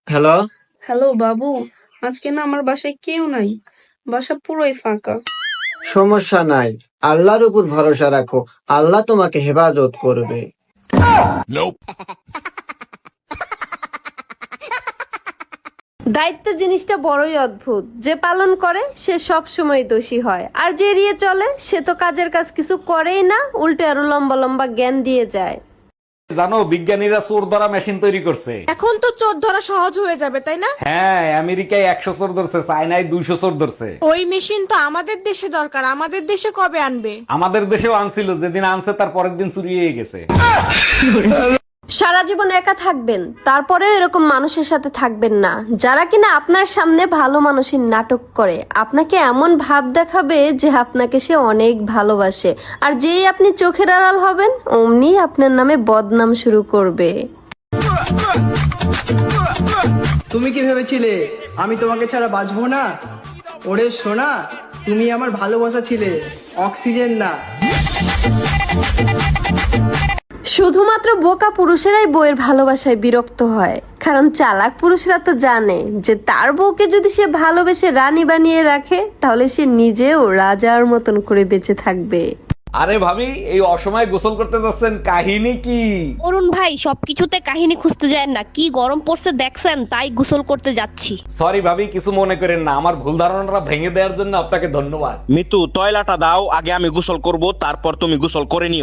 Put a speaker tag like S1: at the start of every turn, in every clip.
S1: Hello.
S2: Hello বাবু, আজকে না আমার বাসায় কেউ নাই। বাসা পুরোই ফাঁকা।
S1: সমস্যা নাই, আল্লাহর উপর ভরসা রাখো, আল্লাহ তোমাকে হেফাজত করবে।
S3: দায়িত্ব জিনিসটা বড়ই অদ্ভুত, যে পালন করে সে সব সময় দোষী হয়, আর যে এড়িয়ে চলে সে তো কাজের কাজ কিছু করেই না, উল্টে আরো লম্বা লম্বা জ্ঞান দিয়ে যায়।
S4: জানো বিজ্ঞানীরা চোর ধরা মেশিন তৈরি করছে।
S5: এখন তো চোর ধরা সহজ হয়ে যাবে, তাই না?
S4: হ্যাঁ, আমেরিকায় 100 চোর ধরছে, চায়নায় 200 চোর ধরছে।
S5: ওই মেশিন তো আমাদের দেশে দরকার, আমাদের দেশে কবে আনবে?
S4: আমাদের দেশেও আনছিল, যেদিন আনছে তার পরের দিন চুরি হয়ে গেছে।
S3: সারা জীবন একা থাকবেন, তারপরেও এরকম মানুষের সাথে থাকবেন না যারা কিনা আপনার সামনে ভালো মানুষের নাটক করে, আপনাকে এমন ভাব দেখাবে যে আপনাকে সে অনেক ভালোবাসে, আর যেই আপনি চোখের আড়াল হবেন অমনি আপনার নামে বদনাম শুরু করবে।
S6: তুমি কি ভেবেছিলে আমি তোমাকে ছাড়া বাঁচবো না? ওরে সোনা, তুমি আমার ভালোবাসা ছিলে, অক্সিজেন না।
S3: শুধুমাত্র বোকা পুরুষেরাই বউয়ের ভালোবাসায় বিরক্ত হয়, কারণ চালাক পুরুষরা তো জানে যে তার বউকে যদি সে ভালোবেসে রানী বানিয়ে রাখে তাহলে সে নিজেও রাজার মতন করে বেঁচে থাকবে।
S4: আরে ভাবি, এই অসময়ে গোসল করতে যাচ্ছেন, কাহিনী কি?
S7: অরুণ ভাই, সবকিছুতে কাহিনী খুঁজতে যায় না, কি গরম পড়ছে দেখছেন, তাই গোসল করতে যাচ্ছি।
S4: সরি ভাবি, কিছু মনে করেন না, আমার ভুল ধারণাটা ভেঙে দেওয়ার জন্য আপনাকে ধন্যবাদ।
S8: মিতু, টয়লাটা দাও, আগে আমি গোসল করব, তারপর তুমি গোসল করে নিও।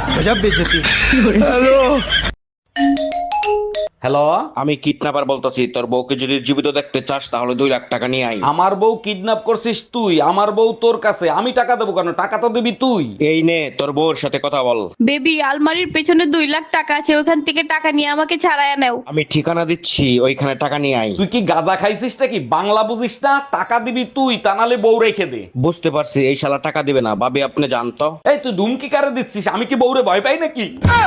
S4: হ্যালো,
S8: আমি কিডন্যাপার বলতেছি, তোর বউকে যদি জীবিত দেখতে চাস তাহলে 2 লাখ টাকা নিয়ে আই।
S4: আমার বউ কিডন্যাপ করছিস তুই? আমার বউ তোর কাছে, আমি টাকা দেবো কেন? টাকা তো দিবি তুই।
S8: এই নে তোর বউর সাথে কথা বল।
S7: বেবি, আলমারির পেছনে 2 লাখ টাকা আছে, ওখান থেকে টাকা নিয়ে আমাকে ছাড়াইয়া নাও।
S8: আমি ঠিকানা দিচ্ছি, ওইখানে টাকা নিয়ে আই।
S4: তুই কি গাঁজা খাইছিস নাকি? বাংলা বুঝিস না? টাকা দিবি তুই, তা নাহলে বউ রেখে দে।
S8: বুঝতে পারছি, এই শালা টাকা দিবে না। ভাবি আপনি জানতো?
S4: এই তুই ধুমকি কারে দিচ্ছিস? আমি কি বউরে ভয় পাই নাকি?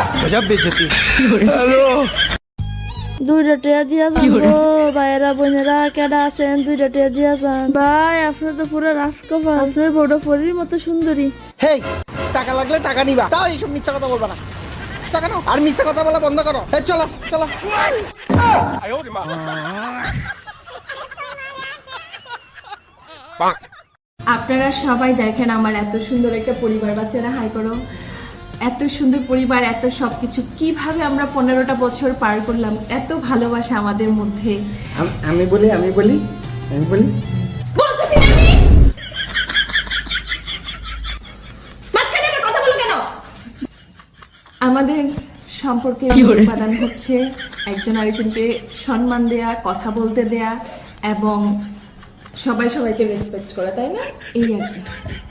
S9: দুইটা টিয়া দিয়াছেন গো ভাইয়েরা বোনেরা, কেডা আছেন? দুইটা টিয়া দিয়াছেন ভাই, আপনার তো পুরো রাজকপাল, আপনার বড় পরীর মতো সুন্দরী।
S10: হেই, টাকা লাগলে টাকা নিবা, তাও এইসব মিথ্যা কথা বলবা না। টাকা নাও আর মিথ্যা কথা বলা বন্ধ করো। এই চলো চলো।
S9: আপনারা সবাই দেখেন আমার এত সুন্দর একটা পরিবার, বাচ্চারা হাই করো। এত সুন্দর পরিবার, এত সবকিছু, কিভাবে আমরা 15টা বছর পার করলাম, এত ভালোবাসা আমাদের মধ্যে।
S1: আমি বলি
S9: বলতেছি না আমি। মাঝখানে আবার কথা বলো কেন? আমাদের সম্পর্কের উপাদান হচ্ছে একজন আরেকজনকে সম্মান দেয়া, কথা বলতে দেয়া এবং সবাই সবাইকে রেসপেক্ট করা, তাই না? এই আর কি।